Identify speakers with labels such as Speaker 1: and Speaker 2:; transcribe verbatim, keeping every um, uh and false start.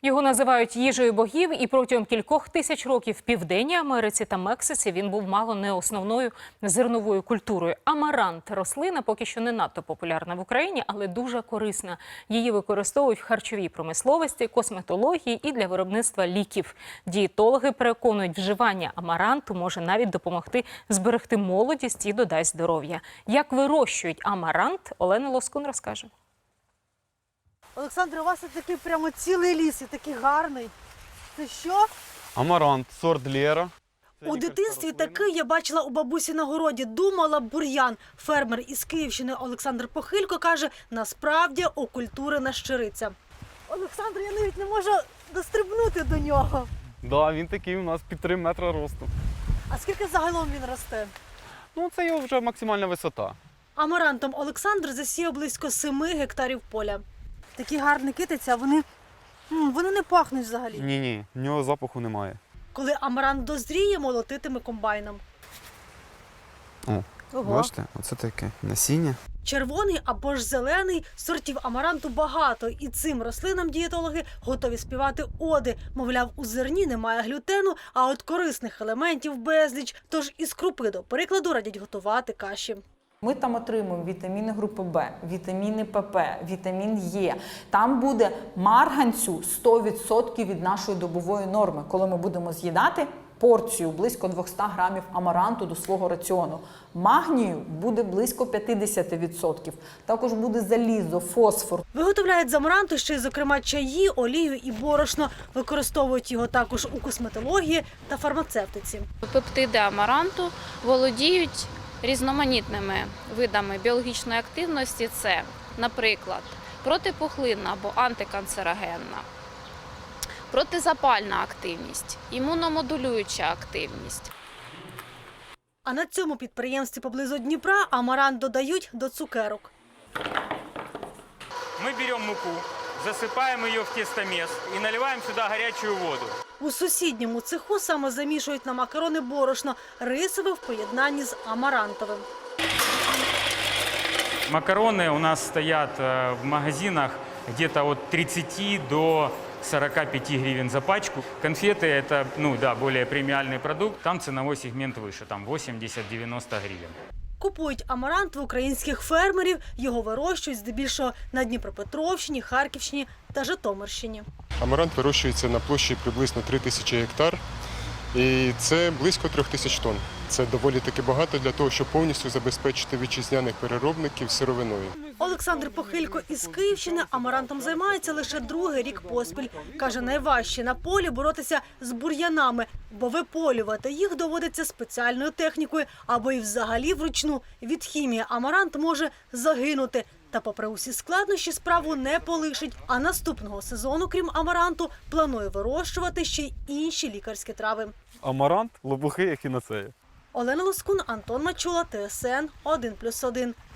Speaker 1: Його називають їжею богів, і протягом кількох тисяч років в Південній Америці та Мексиці він був мало не основною зерновою культурою. Амарант – рослина поки що не надто популярна в Україні, але дуже корисна. Її використовують в харчовій промисловості, косметології і для виробництва ліків. Дієтологи переконують, вживання амаранту може навіть допомогти зберегти молодість і додасть здоров'я. Як вирощують амарант, Олена Лоскун розкаже.
Speaker 2: Олександр, у вас тут такий прямо цілий ліс і такий гарний. Це що?
Speaker 3: Амарант, сорт Лера.
Speaker 2: У дитинстві такий я бачила у бабусі на городі. Думала бур'ян. Фермер із Київщини Олександр Похилько каже, насправді окультурена щириця. Олександр, я навіть не можу дострибнути до нього.
Speaker 3: Да, він такий у нас під три метри росту.
Speaker 2: А скільки загалом він росте?
Speaker 3: Ну, це його вже максимальна висота.
Speaker 2: Амарантом Олександр засіяв близько семи гектарів поля. Такі гарні китиці, а вони, м, вони не пахнуть взагалі.
Speaker 3: Ні-ні, в нього запаху немає.
Speaker 2: Коли амарант дозріє, молотитиме комбайном.
Speaker 3: О,
Speaker 2: Ого.
Speaker 3: бачите, оце таке насіння.
Speaker 2: Червоний або ж зелений, сортів амаранту багато. І цим рослинам дієтологи готові співати оди. Мовляв, у зерні немає глютену, а от корисних елементів безліч. Тож із крупи, до прикладу, радять готувати каші.
Speaker 4: Ми там отримуємо вітаміни групи Б, вітаміни ПП, вітамін Е. Там буде марганцю сто відсотків від нашої добової норми, коли ми будемо з'їдати порцію близько двісті грамів амаранту до свого раціону. Магнію буде близько п'ятдесят відсотків. Також буде залізо, фосфор.
Speaker 2: Виготовляють з амаранту ще й, зокрема, чаї, олію і борошно. Використовують його також у косметології та фармацевтиці.
Speaker 5: Пептиди амаранту володіють різноманітними видами біологічної активності. Це, наприклад, протипухлинна або антиканцерогенна, протизапальна активність, імуномодулююча активність.
Speaker 2: А на цьому підприємстві поблизу Дніпра амарант додають до цукерок.
Speaker 6: Мы берем муку, засыпаем ее в тестомес и наливаем сюда горячую воду.
Speaker 2: У сусідньому цеху саме замішують на макарони борошно, рисове в поєднанні з амарантовим.
Speaker 6: Макароны у нас стоят э, в магазинах где-то от тридцати до сорока пяти гривен за пачку. Конфеты – это, ну да, более премиальный продукт. Там ценовой сегмент выше, там восемьдесят-девяносто гривен.
Speaker 2: Купують амарант в українських фермерів, його вирощують здебільшого на Дніпропетровщині, Харківщині та Житомирщині.
Speaker 7: Амарант вирощується на площі приблизно три тисячі гектар, і це близько трьох тисяч тонн. Це доволі таки багато для того, щоб повністю забезпечити вітчизняних переробників сировиною.
Speaker 2: Олександр Похилько із Київщини амарантом займається лише другий рік поспіль. Каже, найважче на полі боротися з бур'янами, бо виполювати їх доводиться спеціальною технікою або й взагалі вручну. Від хімії амарант може загинути. Та попри усі складнощі справу не полишить. А наступного сезону, крім амаранту, планує вирощувати ще й інші лікарські трави.
Speaker 3: Амарант – лопухи, як і на це.
Speaker 2: Олена Лоскун, Антон Мачула, Т С Н один плюс один.